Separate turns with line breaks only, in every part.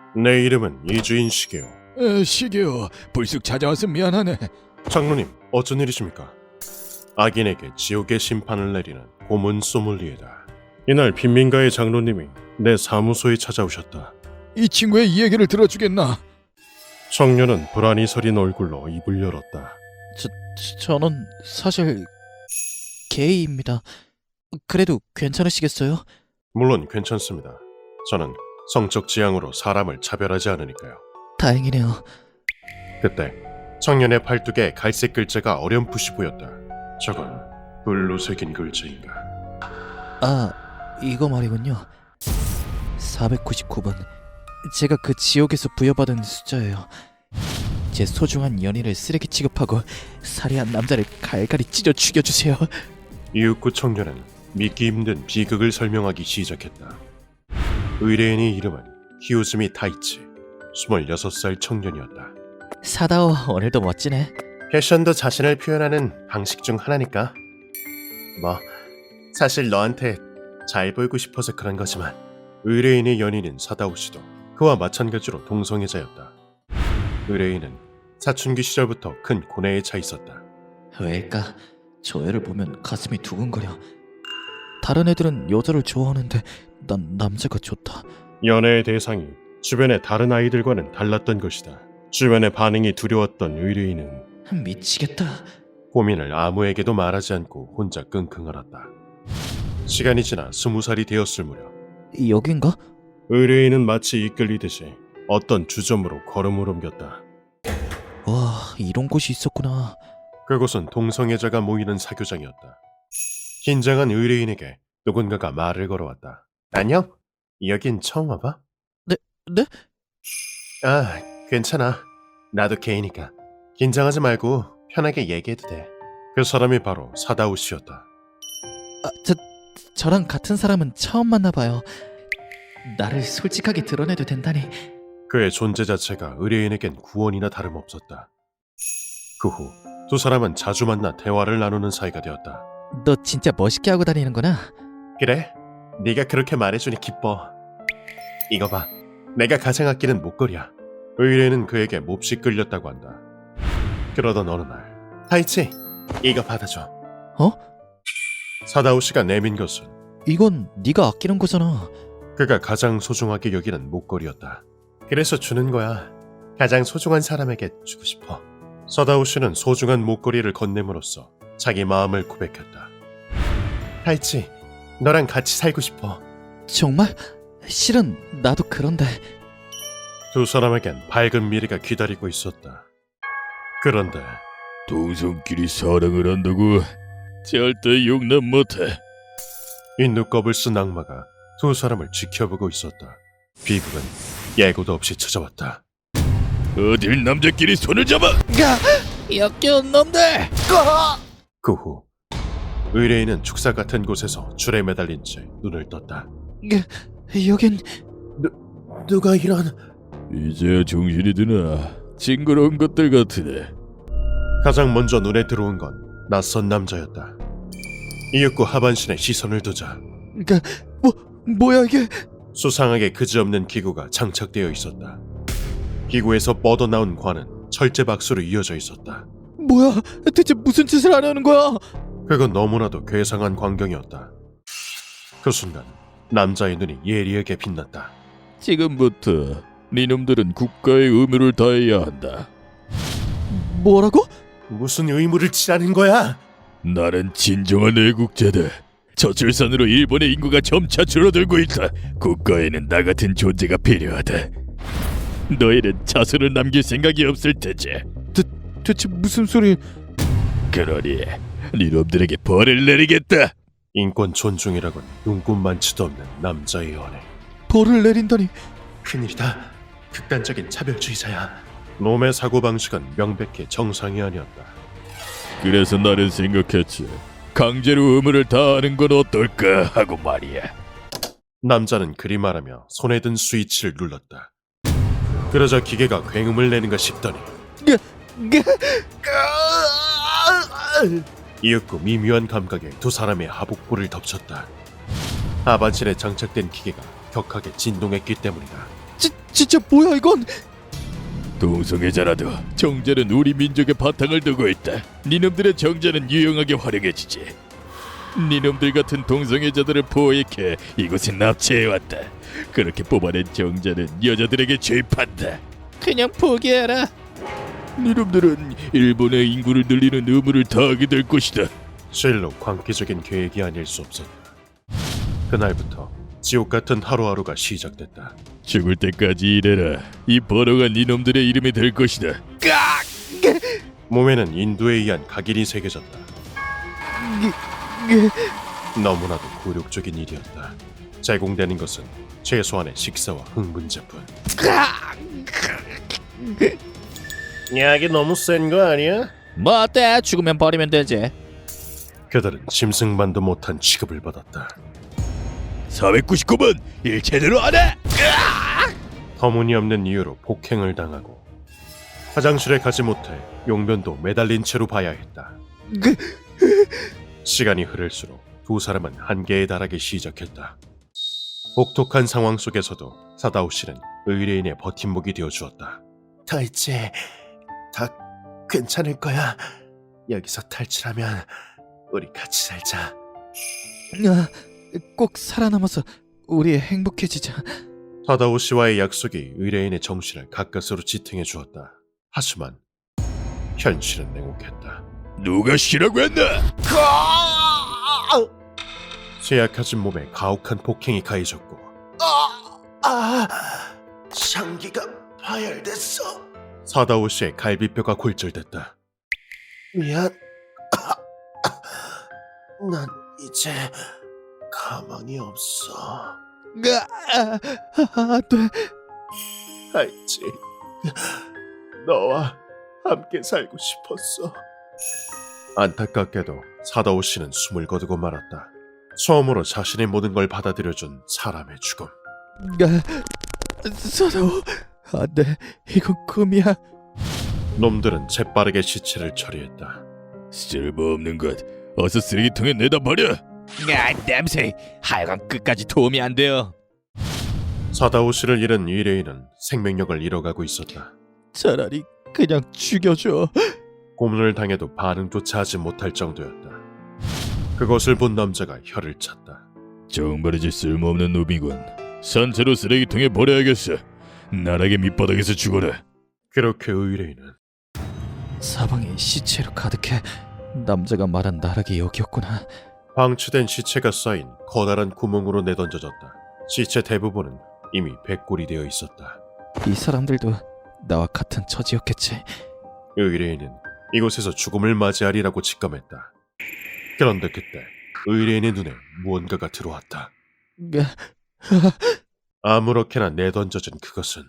내 이름은 이주인 시게요.
시계요. 불쑥 찾아와서 미안하네.
장로님, 어쩐 일이십니까? 악인에게 지옥의 심판을 내리는 고문 소믈리에다. 이날 빈민가의 장로님이 내 사무소에 찾아오셨다.
이 친구의 이 얘기를 들어주겠나?
청년은 불안이 서린 얼굴로 입을 열었다.
저는 사실 게이입니다. 그래도 괜찮으시겠어요?
물론 괜찮습니다. 저는 성적 지향으로 사람을 차별하지 않으니까요.
다행이네요.
그때 청년의 팔뚝에 갈색 글자가 어렴풋이 보였다. 저건 불로 새긴 글자인가.
아, 이거 말이군요. 499번. 제가 그 지옥에서 부여받은 숫자예요. 제 소중한 연인을 쓰레기 취급하고 살해한 남자를 갈갈이 찢어 죽여주세요.
이윽고 청년은 믿기 힘든 비극을 설명하기 시작했다. 의뢰인의 이름은 히오즈미 타이치, 26살 청년이었다.
사다오, 오늘도 멋지네.
패션도 자신을 표현하는 방식 중 하나니까. 뭐 사실 너한테 잘 보이고 싶어서 그런 거지만. 의뢰인의 연인인 사다오 씨도 그와 마찬가지로 동성애자였다. 의뢰인은 사춘기 시절부터 큰 고뇌에 차 있었다.
왜일까? 저 애를 보면 가슴이 두근거려. 다른 애들은 여자를 좋아하는데 난 남자가 좋다.
연애의 대상이 주변의 다른 아이들과는 달랐던 것이다. 주변의 반응이 두려웠던 의뢰인은
미치겠다.
고민을 아무에게도 말하지 않고 혼자 끙끙 앓았다. 시간이 지나 20살이 되었을 무렵
여긴가?
의뢰인은 마치 이끌리듯이 어떤 주점으로 걸음을 옮겼다.
와, 이런 곳이 있었구나.
그곳은 동성애자가 모이는 사교장이었다. 긴장한 의뢰인에게 누군가가 말을 걸어왔다. 안녕? 여긴 처음 와봐?
네?
아, 괜찮아. 나도 게이니까. 긴장하지 말고 편하게 얘기해도 돼. 그 사람이 바로 사다오 씨였다.
아, 저랑 같은 사람은 처음 만나봐요. 나를 솔직하게 드러내도 된다니.
그의 존재 자체가 의뢰인에겐 구원이나 다름없었다. 그 후 두 사람은 자주 만나 대화를 나누는 사이가 되었다.
너 진짜 멋있게 하고 다니는구나.
그래? 네가 그렇게 말해주니 기뻐. 이거 봐. 내가 가장 아끼는 목걸이야. 의뢰인은 그에게 몹시 끌렸다고 한다. 그러던 어느 날 타이치, 이거 받아줘.
어?
사다오 씨가 내민 것은
이건 네가 아끼는 거잖아.
그가 가장 소중하게 여기는 목걸이였다. 그래서 주는 거야. 가장 소중한 사람에게 주고 싶어. 사다오 씨는 소중한 목걸이를 건네므로써 자기 마음을 고백했다. 타이치, 너랑 같이 살고 싶어.
정말? 실은 나도 그런데.
두 사람에겐 밝은 미래가 기다리고 있었다. 그런데
동성끼리 사랑을 한다고? 절대 용납 못해.
이 눈곱을 쓴 악마가 두 사람을 지켜보고 있었다. 비극은 예고도 없이 찾아왔다.
어딜 남자끼리 손을 잡아?
역겨운 놈들!
그 후 의뢰인은 축사 같은 곳에서 줄에 매달린 채 눈을 떴다.
여긴...
누가 이런...
이제야 정신이 드나? 징그러운 것들 같으네.
가장 먼저 눈에 들어온 건 낯선 남자였다. 이윽고 하반신에 시선을 두자
뭐야 이게?
수상하게 그지없는 기구가 장착되어 있었다. 기구에서 뻗어나온 관은 철제박수로 이어져 있었다.
뭐야? 대체 무슨 짓을 하려는 거야?
그건 너무나도 괴상한 광경이었다. 그 순간 남자의 눈이 예리하게 빛났다.
지금부터 니놈들은 국가의 의무를 다해야 한다.
뭐라고?
무슨 의무를 치라는 거야?
나는 진정한 애국자다. 저출산으로 일본의 인구가 점차 줄어들고 있다. 국가에는 나 같은 존재가 필요하다. 너희는 자손을 남길 생각이 없을 테지.
대체 무슨 소리...
그러니 니놈들에게 벌을 내리겠다.
인권 존중이라곤 눈꽃만치도 없는 남자의 연애.
벌을 내린다니...
큰일이다. 극단적인 차별주의자야. 놈의 사고방식은 명백히 정상이 아니었다.
그래서 나는 생각했지. 강제로 의무를 다하는 건 어떨까 하고 말이야.
남자는 그리 말하며 손에 든 스위치를 눌렀다. 그러자 기계가 굉음을 내는가 싶더니 이윽고 미묘한 감각에 두 사람의 하복부를 덮쳤다. 하반신에 장착된 기계가 격하게 진동했기 때문이다.
진짜 뭐야 이건?
동성애자라도 정자는 우리 민족의 바탕을 두고 있다. 니놈들의 정자는 유용하게 활용해지지. 니놈들 같은 동성애자들을 포획해 이곳에 납치해왔다. 그렇게 뽑아낸 정자는 여자들에게 주입한다.
그냥 포기해라.
니놈들은 일본의 인구를 늘리는 의무를 다하게 될 것이다.
실로 광기적인 계획이 아닐 수 없었다. 그날부터 지옥 같은 하루하루가 시작됐다.
죽을 때까지 일해라. 이 번호가 니놈들의 이름이 될 것이다.
몸에는 인도에 의한 각인이 새겨졌다. 너무나도 굴욕적인 일이었다. 제공되는 것은 최소한의 식사와 흥분제뿐. 약이 너무 센 거 아니야?
뭐 어때? 죽으면 버리면 되지.
그들은 짐승만도 못한 취급을 받았다.
499번 일 제대로 안 해.
터무니없는 이유로 폭행을 당하고 화장실에 가지 못해 용변도 매달린 채로 봐야 했다. 시간이 흐를수록 두 사람은 한계에 달하기 시작했다. 혹독한 상황 속에서도 사다오 씨는 의뢰인의 버팀목이 되어주었다. 다 이제 다 괜찮을 거야. 여기서 탈출하면 우리 같이 살자.
꼭 살아남아서 우리 행복해지자.
사다오 씨와의 약속이 의뢰인의 정신을 가까스로 지탱해 주었다. 하지만 현실은 냉혹했다.
누가 쉬라고 했나?
쇠약해진 몸에 가혹한 폭행이 가해졌고 장기가 파열됐어. 사다오 씨의 갈비뼈가 골절됐다. 미안. 난 이제 가망이 없어.
안 돼.
알지. 너와 함께 살고 싶었어. 안타깝게도 사다오 씨는 숨을 거두고 말았다. 처음으로 자신의 모든 걸 받아들여준 사람의 죽음.
사다오, 안 돼. 이건 꿈이야.
놈들은 재빠르게 시체를 처리했다.
쓸모없는 것. 어서 쓰레기통에 내다 버려.
냄새. 하여간 끝까지 도움이 안 돼요.
사다오 씨를 잃은 의뢰인은 생명력을 잃어가고 있었다.
차라리 그냥 죽여줘.
고문을 당해도 반응조차 하지 못할 정도였다. 그것을 본 남자가 혀를 찼다.
정말이지 쓸모없는 놈이군. 산채로 쓰레기통에 버려야겠어. 나락의 밑바닥에서 죽어라.
그렇게 의뢰인은
사방이 시체로 가득해. 남자가 말한 나락이 여기였구나.
방치된 시체가 쌓인 커다란 구멍으로 내던져졌다. 시체 대부분은 이미 백골이 되어 있었다.
이 사람들도 나와 같은 처지였겠지.
의뢰인은 이곳에서 죽음을 맞이하리라고 직감했다. 그런데 그때 의뢰인의 눈에 무언가가 들어왔다. 아무렇게나 내던져진 그것은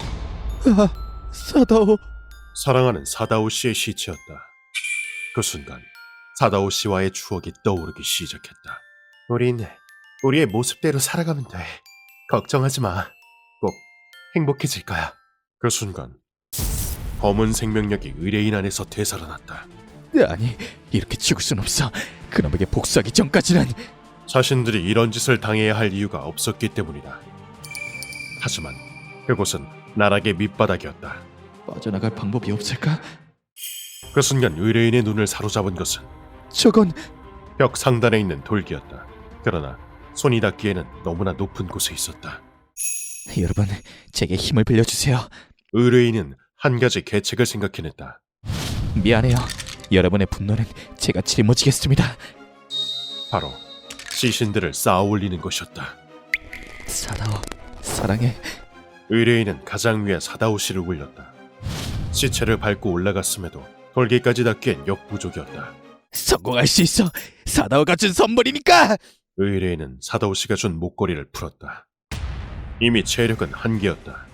사다오.
사랑하는 사다오 씨의 시체였다. 그 순간 사다오 씨와의 추억이 떠오르기 시작했다. 우린 우리의 모습대로 살아가면 돼. 걱정하지 마. 꼭 행복해질 거야. 그 순간 검은 생명력이 의뢰인 안에서 되살아났다.
아니, 이렇게 죽을 순 없어. 그놈에게 복수하기 전까지는.
자신들이 이런 짓을 당해야 할 이유가 없었기 때문이다. 하지만 그곳은 나락의 밑바닥이었다.
빠져나갈 방법이 없을까?
그 순간 의뢰인의 눈을 사로잡은 것은
저건
벽 상단에 있는 돌기였다. 그러나 손이 닿기에는 너무나 높은 곳에 있었다.
여러분, 제게 힘을 빌려주세요.
의뢰인은 한 가지 계책을 생각해냈다.
미안해요. 여러분의 분노는 제가 짊어지겠습니다.
바로 시신들을 쌓아 올리는 것이었다.
사다오, 사랑해.
의뢰인은 가장 위에 사다오 씨를 올렸다. 시체를 밟고 올라갔음에도 돌기까지 닿기엔 역부족이었다.
성공할 수 있어. 사다오가 준 선물이니까.
의뢰인은 사다오 씨가 준 목걸이를 풀었다. 이미 체력은 한계였다.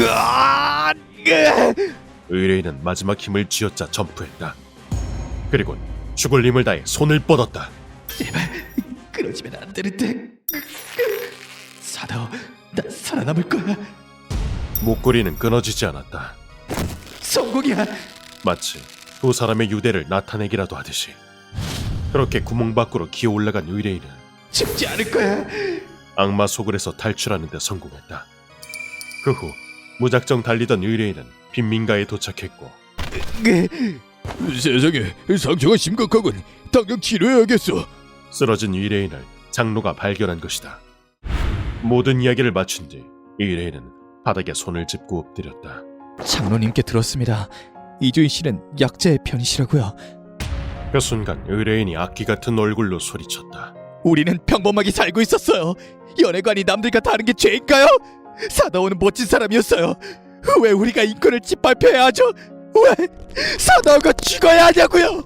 의뢰인은 마지막 힘을 쥐어짜 점프했다. 그리고 죽을 힘을 다해 손을 뻗었다.
제발 그러지면 안 되는데. 사다오, 나 살아남을 거야.
목걸이는 끊어지지 않았다.
성공이야.
마치 두 사람의 유대를 나타내기라도 하듯이. 그렇게 구멍 밖으로 기어 올라간 의뢰인은
죽지 않을 거야.
악마 소굴에서 탈출하는 데 성공했다. 그 후 무작정 달리던 의뢰인은 빈민가에 도착했고
세상에, 상처가 심각하군. 당장 치료해야겠어.
쓰러진 의뢰인을 장로가 발견한 것이다. 모든 이야기를 마친 뒤 의뢰인은 바닥에 손을 짚고 엎드렸다.
장로님께 들었습니다. 이주인 씨는 약자의 편이시라고요.
그 순간 의뢰인이 악기 같은 얼굴로 소리쳤다.
우리는 평범하게 살고 있었어요. 연애관이 남들과 다른 게 죄인가요? 사다오는 멋진 사람이었어요. 왜 우리가 인권을 짓밟혀야 하죠? 왜 사다오가 죽어야 하냐고요?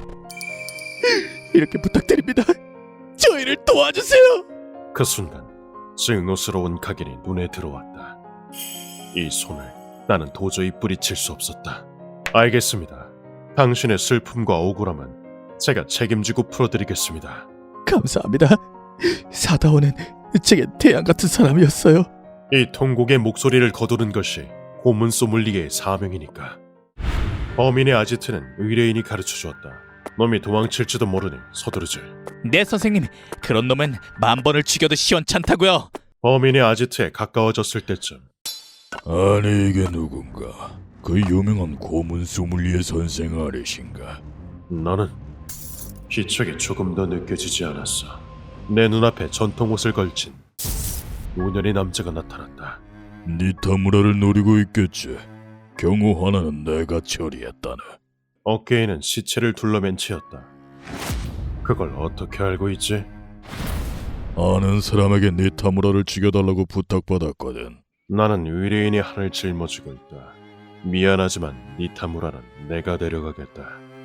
이렇게 부탁드립니다. 저희를 도와주세요.
그 순간 증오스러운 각인이 눈에 들어왔다. 이 손을 나는 도저히 뿌리칠 수 없었다. 알겠습니다. 당신의 슬픔과 억울함은 제가 책임지고 풀어드리겠습니다.
감사합니다. 사다오는 제게 태양 같은 사람이었어요.
이 통곡의 목소리를 거두는 것이 고문 소믈리에의 사명이니까. 범인의 아지트는 의뢰인이 가르쳐 주었다. 놈이 도망칠지도 모르니 서두르지.
네 선생님, 그런 놈은 10,000번을 죽여도 시원찮다고요.
범인의 아지트에 가까워졌을 때쯤
아니, 이게 누군가? 그 유명한 고문 소믈리에 선생 아래신가?
나는 기척이 조금 더 느껴지지 않았어. 내 눈앞에 전통 옷을 걸친 노년의 남자가 나타났다.
니타무라를 노리고 있겠지. 경우 하나는 내가 처리했다네.
어깨에는 시체를 둘러맨 채였다. 그걸 어떻게 알고 있지?
아는 사람에게 니타무라를 죽여달라고 부탁받았거든.
나는 의뢰인이 하늘 짊어지고 있다. 미안하지만 니타무라는 내가 데려가겠다.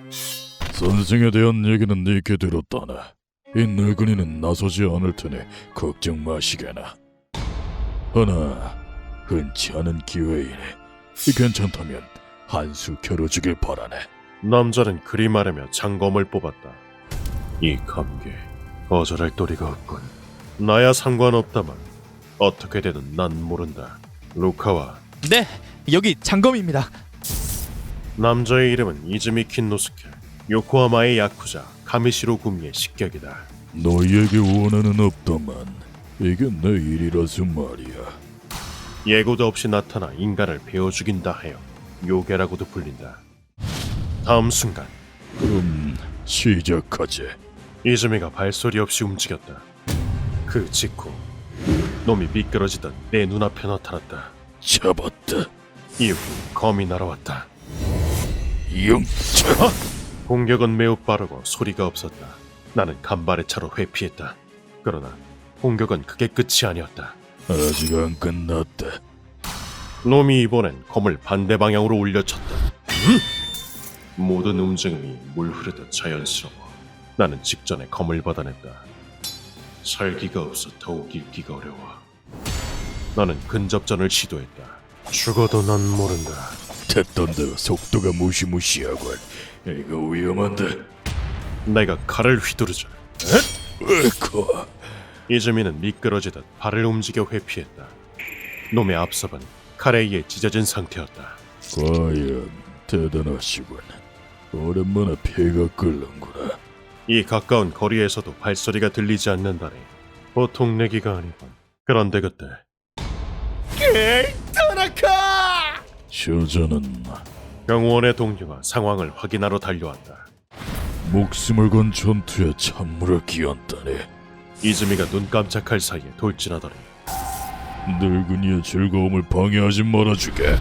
선생에 대한 얘기는 니께 들었다네. 이 늙은이는 나서지 않을 테니 걱정 마시게나. 하나 흔치 않은 기회이니 괜찮다면 한 수 겨뤄주길 바라네.
남자는 그리 말하며 장검을 뽑았다. 이 감기 거절할 도리가 없군. 나야 상관없다만 어떻게 되든 난 모른다. 루카와
네, 여기 장검입니다.
남자의 이름은 이즈미 킨노스케. 요코하마의 야쿠자 가미시로 구미의 식격이다.
너희에게 원한은 없다만 이게 내 일이라서 말이야.
예고도 없이 나타나 인간을 베어 죽인다 하여 요괴라고도 불린다. 다음 순간
그럼 시작하지.
이즈미가 발소리 없이 움직였다. 그 직후 놈이 미끄러지던 내 눈앞에 나타났다.
잡았다.
이후 검이 날아왔다.
영차.
공격은 매우 빠르고 소리가 없었다. 나는 간발의 차로 회피했다. 그러나 공격은 그게 끝이 아니었다.
아직 안 끝났다.
놈이 이번엔 검을 반대 방향으로 올려쳤다. 모든 움직임이 물 흐르듯 자연스러워. 나는 직전에 검을 받아냈다. 살기가 없어 더욱 읽기가 어려워. 나는 근접전을 시도했다. 죽어도 난 모른다.
됐던데 속도가 무시무시하군. 이거 위험한데.
내가 칼을 휘두르자
으코.
이즈미는 미끄러지듯 발을 움직여 회피했다. 놈의 앞섭은 칼에 의해 찢어진 상태였다.
과연 대단하시군. 오랜만에 피가 끓는구나.
이 가까운 거리에서도 발소리가 들리지 않는다니 보통 내기가 아니군. 그런데 그때
저자는
경호원의 동료가 상황을 확인하러 달려왔다.
목숨을 건 전투에 찬물을 끼얹다니.
이즈미가 눈 깜짝할 사이에 돌진하더니
늙은이의 즐거움을 방해하지 말아주게.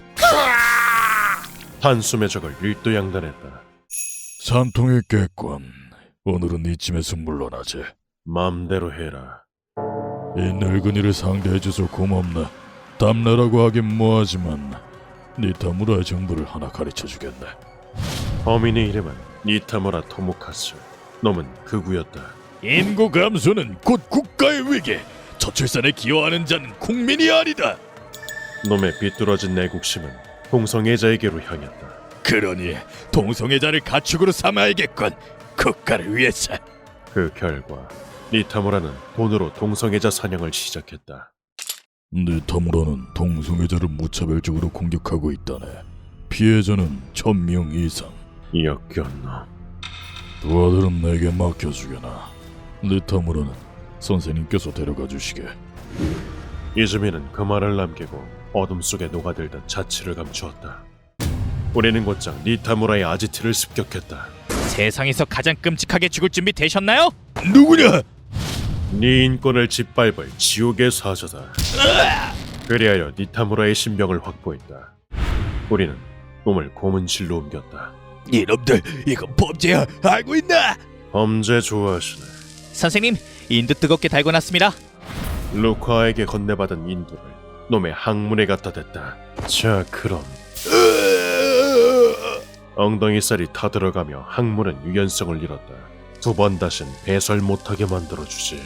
한숨의 적을 일도양단했다.
산통의 깼군. 오늘은 이쯤에서 물러나지.
마음대로 해라.
이 늙은이를 상대해줘서 고맙네. 담내라고 하긴 뭐하지만 니타무라의 정보를 하나 가르쳐주겠네.
범인의 이름은 니타무라 토모카스. 놈은 극우였다.
인구 감소는 곧 국가의 위기. 저출산에 기여하는 자는 국민이 아니다.
놈의 비뚤어진 내국심은 동성애자에게로 향했다.
그러니 동성애자를 가축으로 삼아야겠군. 국가를 위해서.
그 결과 니타무라는 돈으로 동성애자 사냥을 시작했다.
니타무라는 동성애자를 무차별적으로 공격하고 있다네. 피해자는 1000명 이상.
역겨운 놈.
두 아들은 내게 맡겨주게나. 니타무라는 선생님께서 데려가 주시게.
이즈미는 그 말을 남기고 어둠 속에 녹아들던 자취를 감추었다. 우리는 곧장 니타무라의 아지트를 습격했다.
세상에서 가장 끔찍하게 죽을 준비 되셨나요?
누구냐?
네 인권을 짓밟을 지옥의 사자다. 그리하여 니타무라의 신병을 확보했다. 우리는 몸을 고문실로 옮겼다.
이놈들, 이건 범죄야. 알고 있나?
범죄 좋아하시네.
선생님, 인도 뜨겁게 달궈놨습니다.
루카에게 건네받은 인도를 놈의 항문에 갖다 댔다. 자, 그럼 엉덩이살이 타들어가며 항문은 유연성을 잃었다. 두 번 다신 배설 못하게 만들어주지.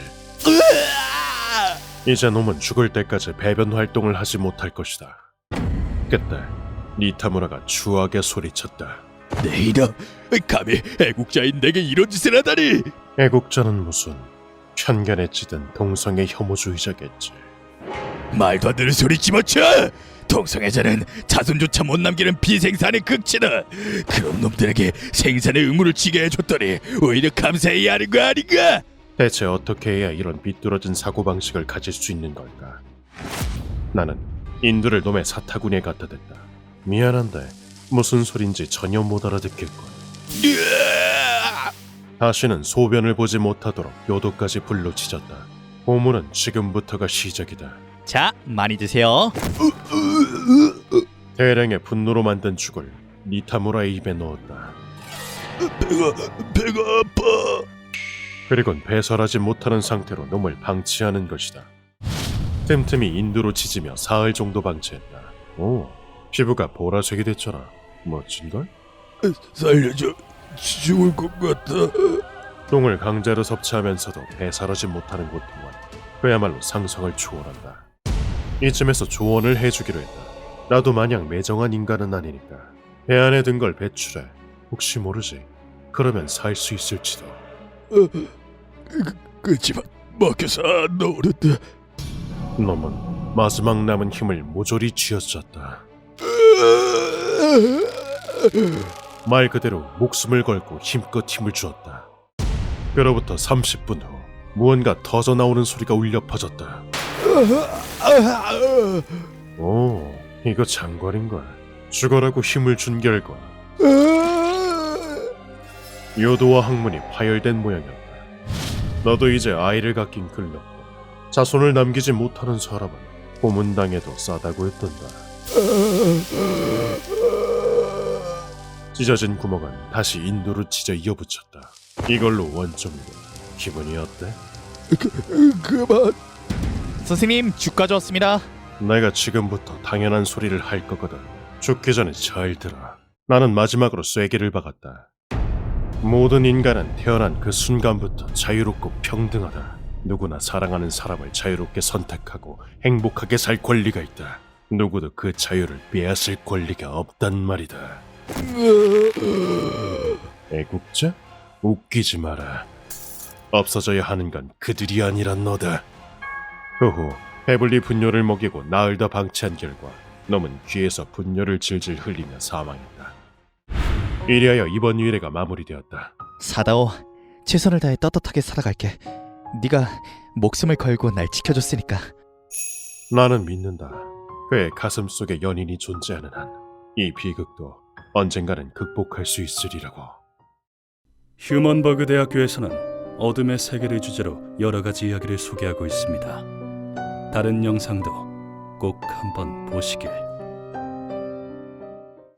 이제 놈은 죽을 때까지 배변 활동을 하지 못할 것이다. 그때 니타무라가 추하게 소리쳤다.
내 이름, 감히 애국자인 내게 이런 짓을 하다니!
애국자는 무슨 편견에 찌든 동성애 혐오주의자겠지.
말도 안 되는 소리 집어쳐! 동성애자는 자손조차 못 남기는 비생산의 극치다. 그런 놈들에게 생산의 의무를 지게 해줬더니 오히려 감사해야 하는 거 아닌가?
대체 어떻게 해야 이런 비뚤어진 사고방식을 가질 수 있는 걸까? 나는 인두를 놈의 사타구니에 갖다 댔다. 미안한데 무슨 소린지 전혀 못 알아듣겠군. 다시는 소변을 보지 못하도록 요도까지 불로 치졌다. 고문은 지금부터가 시작이다.
자, 많이 드세요.
대량의 분노로 만든 죽을 니타무라의 입에 넣었다.
배가 아파.
그리곤 배설하지 못하는 상태로 놈을 방치하는 것이다. 틈틈이 인두로 짖으며 사흘 정도 방치했다. 오, 피부가 보라색이 됐잖아. 멋진걸?
살려줘. 죽을 것 같아.
똥을 강제로 섭취하면서도 배설하지 못하는 고통은 그야말로 상상을 초월한다. 이쯤에서 조언을 해주기로 했다. 나도 마냥 매정한 인간은 아니니까 배 안에 든 걸 배출해. 혹시 모르지. 그러면 살 수 있을지도.
그치만 먹혀서 안 나오는데.
놈은 마지막 남은 힘을 모조리 쥐어짰다. 말 그대로 목숨을 걸고 힘껏 힘을 주었다. 그로부터 30분 후 무언가 터져 나오는 소리가 울려 퍼졌다. 오, 이거 장관인걸. 죽어라고 힘을 준 결과 요도와 항문이 파열된 모양이었다. 너도 이제 아이를 갖긴 글렀고 자손을 남기지 못하는 사람은 고문당해도 싸다고 했던다. 찢어진 구멍은 다시 인도로 찢어 이어붙였다. 이걸로 원점이고 기분이 어때?
그만.
선생님, 죽 가져왔습니다.
내가 지금부터 당연한 소리를 할 거거든. 죽기 전에 잘 들어. 나는 마지막으로 쐐기를 박았다. 모든 인간은 태어난 그 순간부터 자유롭고 평등하다. 누구나 사랑하는 사람을 자유롭게 선택하고 행복하게 살 권리가 있다. 누구도 그 자유를 빼앗을 권리가 없단 말이다. 애국자? 웃기지 마라. 없어져야 하는 건 그들이 아니라 너다. 그 후 배불리 분뇨를 먹이고 나흘 더 방치한 결과 놈은 귀에서 분뇨를 질질 흘리며 사망했다. 이리하여 이번 유례가 마무리되었다.
사다오, 최선을 다해 떳떳하게 살아갈게. 네가 목숨을 걸고 날 지켜줬으니까.
나는 믿는다. 그의 가슴 속에 연인이 존재하는 한 이 비극도 언젠가는 극복할 수 있으리라고.
휴먼버그 대학교에서는 어둠의 세계를 주제로 여러 가지 이야기를 소개하고 있습니다. 다른 영상도 꼭 한번 보시길.